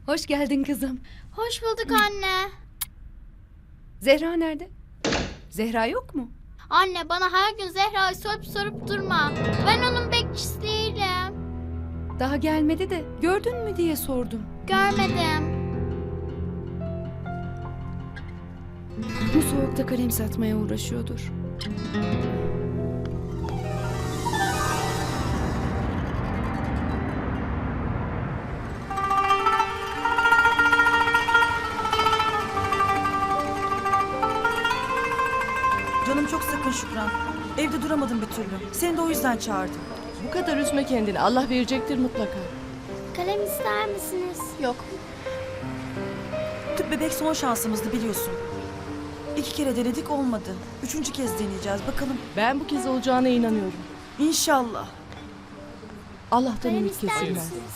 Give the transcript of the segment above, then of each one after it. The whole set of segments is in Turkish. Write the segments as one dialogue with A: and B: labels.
A: Hoş geldin kızım.
B: Hoş bulduk anne.
A: Zehra nerede? Zehra yok mu?
B: Anne bana her gün Zehra'yı sorup durma. Ben onun bekçisi değilim.
A: Daha gelmedi de gördün mü diye sordum.
B: Görmedim.
A: Bu soğukta kalem satmaya uğraşıyordur.
C: Canım çok sıkın Şükran. Evde duramadım bir türlü. Seni de o yüzden çağırdım.
D: Bu kadar üzme kendini. Allah verecektir mutlaka.
B: Kalem ister misiniz?
D: Yok.
C: Tüp bebek son şansımızdı biliyorsun. 2 kere denedik olmadı. 3. kez deneyeceğiz bakalım.
D: Ben bu kez olacağına inanıyorum.
C: İnşallah.
D: Allah'tan
B: Kalem
D: ümit
B: ister
D: kesilmez.
B: misiniz?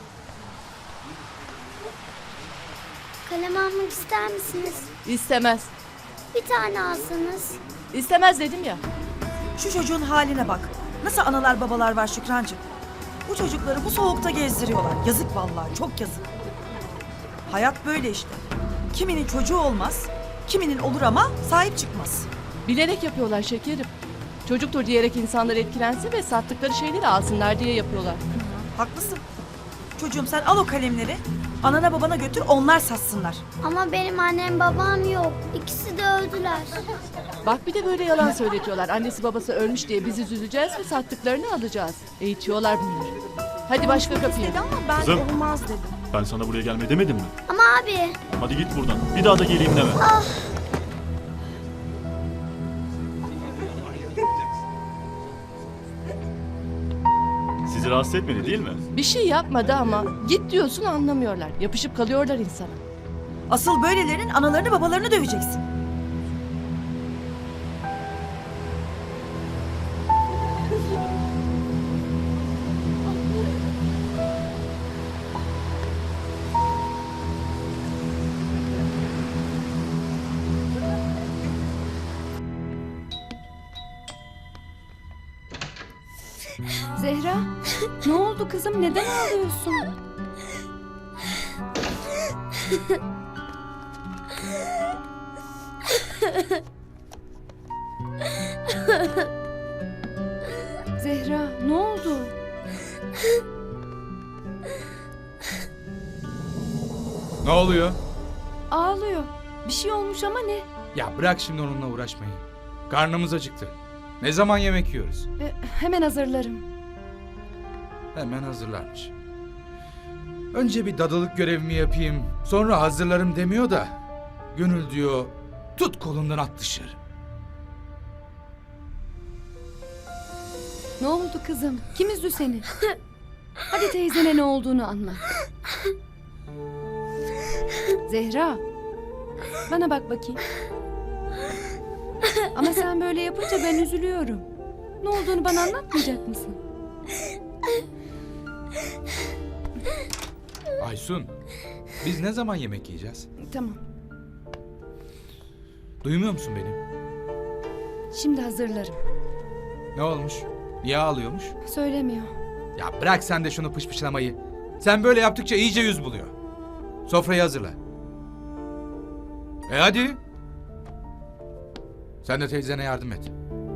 B: Kalem almak ister misiniz?
D: İstemez.
B: Bir tane alsanız.
D: İstemez dedim ya.
C: Şu çocuğun haline bak. Nasıl analar babalar var Şükrancığım. Bu çocukları bu soğukta gezdiriyorlar. Yazık vallahi, çok yazık. Hayat böyle işte. Kiminin çocuğu olmaz, kiminin olur ama sahip çıkmaz.
D: Bilerek yapıyorlar şekerim. Çocuktur diyerek insanlar etkilensin ve sattıkları şeyleri alsınlar diye yapıyorlar.
C: Haklısın. Çocuğum sen al o kalemleri, anana babana götür onlar satsınlar.
B: Ama benim annem babam yok. İkisi de öldüler.
D: Bak bir de böyle yalan söyletiyorlar. Annesi babası ölmüş diye biz üzüleceğiz ve sattıklarını alacağız. Eğitiyorlar bunları. Hadi başka kapıya.
C: Dedi ama ben
E: Kızım.
C: olmaz dedim.
E: Ben sana buraya gelme demedim mi?
B: Ama abi.
E: Hadi git buradan. Bir daha da geleyim deme. Sizi rahatsız etmedi değil mi?
D: Bir şey yapmadı ama git diyorsun anlamıyorlar. Yapışıp kalıyorlar insana.
C: Asıl böylelerinin analarını babalarını döveceksin.
A: Zehra, ne oldu kızım? Neden ağlıyorsun? Zehra, ne oldu?
F: Ne oluyor?
A: Ağlıyor. Bir şey olmuş ama ne?
F: Ya bırak şimdi onunla uğraşmayı. Karnımız acıktı. Ne zaman yemek yiyoruz?
A: Hemen hazırlarım.
F: Hemen hazırlarmış. Önce bir dadılık görevimi yapayım, sonra hazırlarım demiyor da... Gönül diyor, tut kolundan at dışarı.
A: Ne oldu kızım? Kim üzdü seni? Hadi teyzene ne olduğunu anlat. Zehra, bana bak bakayım. Ama sen böyle yapınca ben üzülüyorum. Ne olduğunu bana anlatmayacak mısın?
F: Aysun, biz ne zaman yemek yiyeceğiz?
A: Tamam,
F: Duymuyor musun beni?
A: şimdi hazırlarım.
F: Ne olmuş? Niye ağlıyormuş?
A: Söylemiyor.
F: Ya bırak sen de şunu pışpışlamayı. Sen böyle yaptıkça iyice yüz buluyor. Sofrayı hazırla. Hadi. Sen de teyzene yardım et.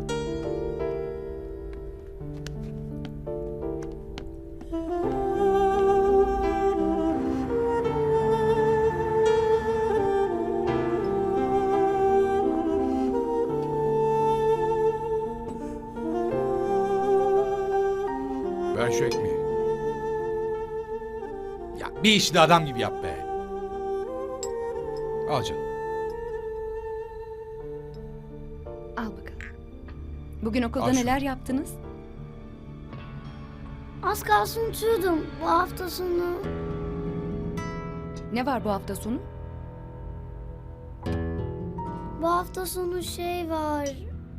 F: Ver şu ekmeği. Ya bir işi de adam gibi yap be. Al canım.
A: Al bakalım. Bugün okulda
F: Al şunu.
A: neler yaptınız?
B: Az kalsın unutuyordum. Bu hafta sonu.
A: Ne var bu hafta sonu?
B: Bu hafta sonu şey var.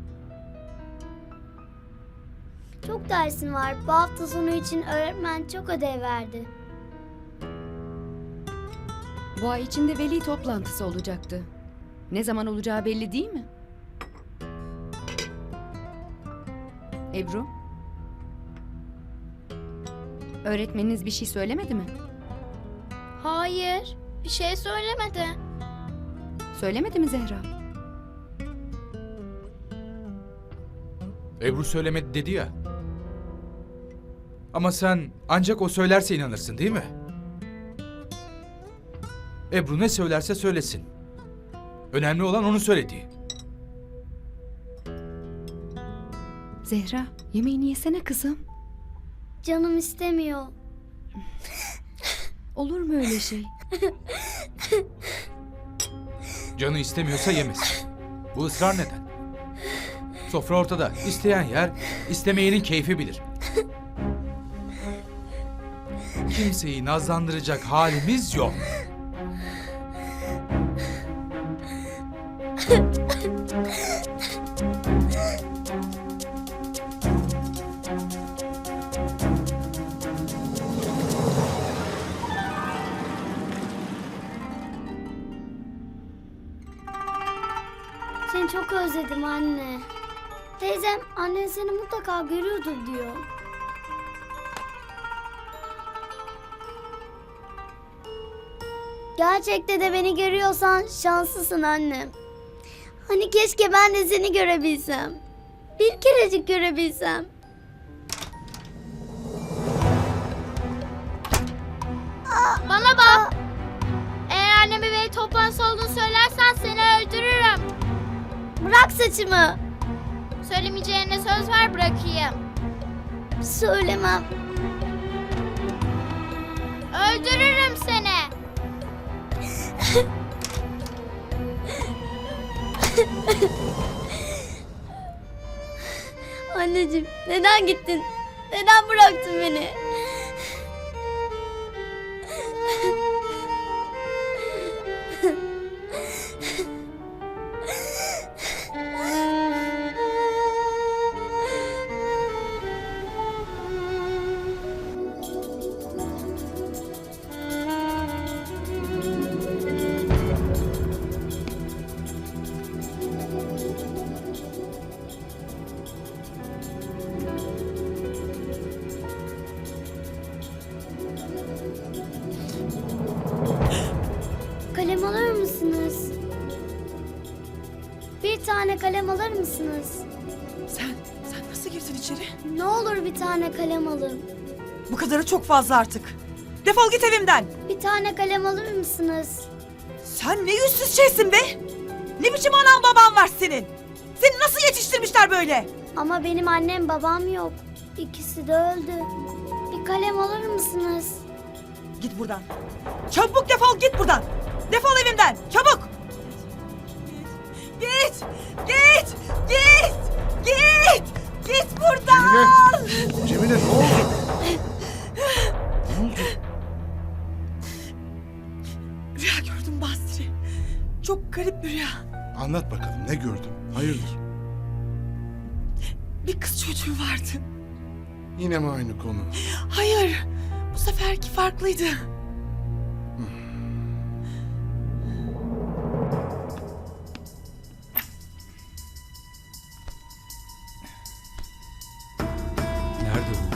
B: Çok dersim var. Bu hafta sonu için öğretmen çok ödev verdi.
A: Bu ay içinde veli toplantısı olacaktı. Ne zaman olacağı belli değil mi? Ebru? Öğretmeniniz bir şey söylemedi mi?
B: Hayır. Hayır, bir şey söylemedi.
A: Söylemedi mi Zehra?
F: Ebru söylemedi dedi ya. Ama sen ancak o söylerse inanırsın değil mi? Ebru ne söylerse söylesin. Önemli olan onun söylediği.
A: Zehra, yemeğini yesene kızım.
B: Canım istemiyor.
A: Olur mu öyle şey?
F: Canı istemiyorsa yemesin. Bu ısrar neden? Sofra ortada. İsteyen yer, istemeyenin keyfi bilir. Kimseyi nazlandıracak halimiz yok.
B: Seni çok özledim anne. Teyzem annen seni mutlaka görüyordur diyor. Gerçekte de beni görüyorsan şanslısın annem. Hani keşke ben de seni görebilsem. Bir kerecik görebilsem. Bana bak. Eğer anneme veli toplantısı olduğunu söylersen seni öldürürüm. Bırak saçımı. Söylemeyeceğine söz ver bırakayım. Söylemem. Öldürürüm seni. Anneciğim neden gittin? Neden bıraktın beni? Kalem alır mısınız? Bir tane kalem alır mısınız?
C: Sen nasıl girdin içeri?
B: Ne olur bir tane kalem alın.
C: Bu kadarı çok fazla artık. Defol git evimden.
B: Bir tane kalem alır mısınız?
C: Sen ne yüzsüz şeysin be. Ne biçim anan baban var senin? Seni nasıl yetiştirmişler böyle?
B: Ama benim annem babam yok. İkisi de öldü. Bir kalem alır mısınız?
C: Git buradan. Çabuk defol git buradan. Defol evimden. Çabuk. Git. Git. Git. Git. Git buradan.
G: Cemile ne oldu? Ne oldu?
C: Rüya gördüm Basri. Çok garip bir rüya.
G: Anlat bakalım ne gördün? Hayırdır?
C: Bir kız çocuğu vardı.
G: Yine mi aynı konu?
C: Hayır. Bu seferki farklıydı.
F: Nerede bu?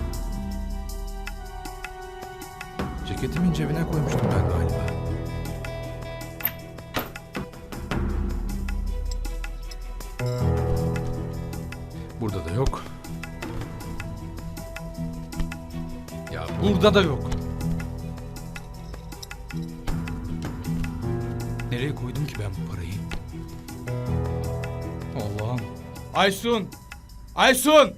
F: Ceketimin cebine koymuştum ben galiba. Burada da yok. Ya burada da yok. Nereye koydum ki ben bu parayı? Allah'ım. Aysun! Aysun!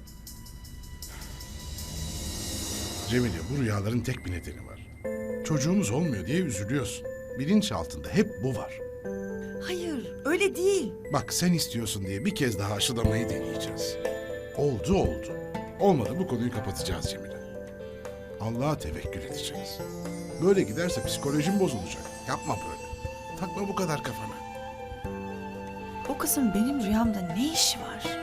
G: Cemile bu rüyaların tek bir nedeni var. Çocuğumuz olmuyor diye üzülüyorsun. Bilinç altında hep bu var.
C: Hayır öyle değil.
G: Bak sen istiyorsun diye bir kez daha aşılamayı deneyeceğiz. Oldu. Olmadı bu konuyu kapatacağız Cemile. Allah'a tevekkül edeceğiz. Böyle giderse psikolojin bozulacak. Yapma böyle. Takma bu kadar kafana.
C: O kızın benim rüyamda ne işi var?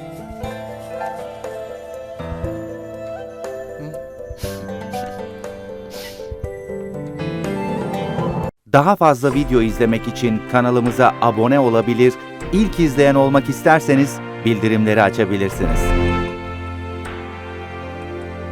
H: Daha fazla video izlemek için kanalımıza abone olabilir, ilk izleyen olmak isterseniz bildirimleri açabilirsiniz.